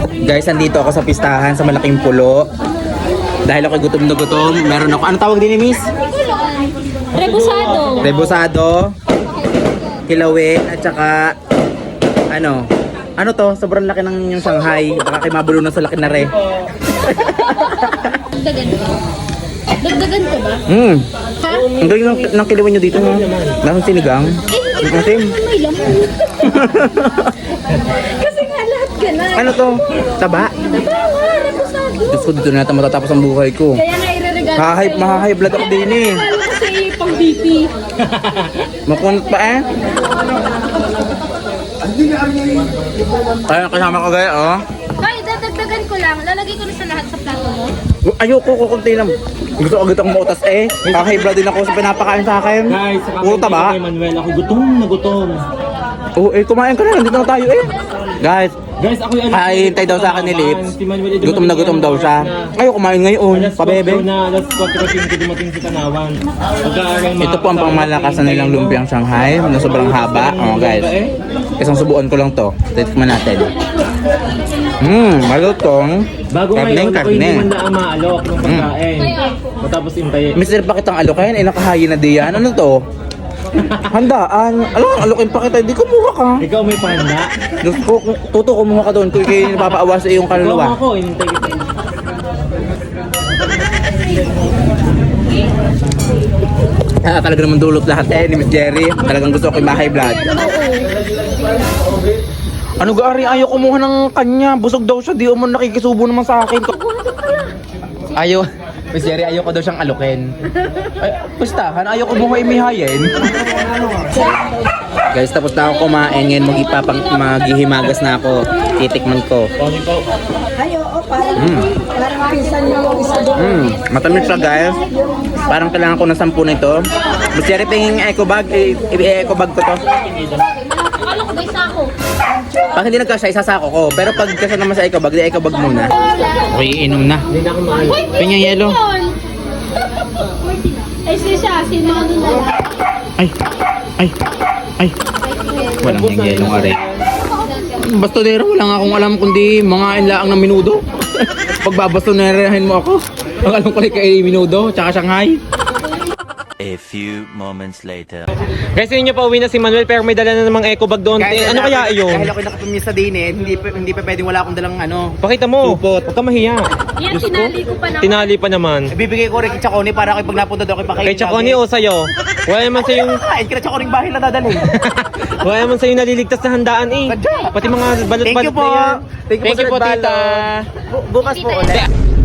Guys, andito ako sa pistahan sa Malaking Pulo. Dahil ako gutom na gutom, meron ako, ano tawag din ni Miss? Rebusado. Rebusado, kilawin, at saka, ano to, sobrang laki ng yung Shanghai. Baka kayo mabulo na sa laki na re. Dagdagan ba? Dagdagan ko ba? Ha? Ang galing ng kilawin nyo dito, no? Lasang sinigang. Matim. May laman. Kasi nga lahat ganun. Ano to? Taba? Rebusado. Diyos ko, dito na natin matatapos ang buhay ko. Kaya nga ireregalo. Mahahigh blood ako din eh. Kala kasi pang BP. Makunot pa eh. Ayun, kasama ko gaya, oh. Hoy, dadagdagan ko lang. Lalagay ko na sa lahat sa plato mo. Ayoko, kukunti lang. Gusto ko agad akong mautas eh. Kakahigh blood din ako sa pinapakain sa akin. Guys, Puro taba. kay Manuel, ako gutom na gutom. Oo, kumain ka na. Nandito na tayo eh. Guys, Guys, ako yung hihintay daw sa akin ni Lips. Si Manuel, Gutom na gutom daw siya. Ayaw kumain ngayon, Alas 4 pabebe. na, alas 4:15 dumating si Tanawan. Ito po ang pangmalakasan nilang lumpiang Shanghai na sobrang haba. Oh guys, isang subuan ko lang to. Tikman natin. Malutong. Bago Karneng, ngayon, ako hindi karne. man na maalok ng pagkain. Matapos intayin. Mister, bakit ang alokayan? Eh, nakahayin na diyan. Ano to? Handaan. Alam, alokin pa kita. Hindi kumuha ka. Ikaw may panda. Diyos ko, tuto kumuha ka doon. Kung kayo napapaawa sa iyong Ikaw kaluluwa. ako, inintay kita. Talaga naman dulot lahat eh ni Miss Jerry. Talagang gusto ko yung high blood. Ano gaari? Ayaw kumuha ng kanya. Busog daw siya. Di mo nakikisubo naman sa akin. Ayaw. Miss Jerry, ayaw ko daw siyang alukin. Ay, pustahan. Ayaw kumuha imihayin. Guys, tapos na ako kumain. Ngayon maghihimagas na ako. Titikman ko. Matamis siya guys. Parang kailangan ko ng 10 nito. Miss Jerry, pingin eco bag. I-eco bag ko to. Akala ko ba isa ako? Pag hindi nagkasya, isasako ko. Pero pag kasya naman sa eco bag, di eco bag muna. Okay, inom na. Hindi na ako maalis. Pinya yelo. Ay, siya. Sino ano na lang? Ay. Walang yung yelong aray. Bastonero, wala nga akong alam kundi mga inlaang ng minudo. Pag babastonerahin mo ako, ang alam ko kay minudo, tsaka Shanghai. A few moments later. Guys, yun niyo pa uwi na si Manuel pero may dala na namang eco bag doon. Ano kaya iyon? Dahil ako nakapamisa din eh, hindi pa pwedeng wala akong dalang Pakita mo. supot. Huwag ka mahiya. Yan, tinali ko pa na. Tinali pa naman. Bibigay ko rin kay Chaconi para kapag napunta daw kay Pakain. Kay Chaconi o sa'yo? Wala naman sa'yong... Kain ka na Chaconi bahay na dadalhin. Wala naman sa'yo naliligtas na handaan eh. Sadya. Pati mga balot-balot Thank you po. na yan. Thank you po, tita. Bukas po ulit.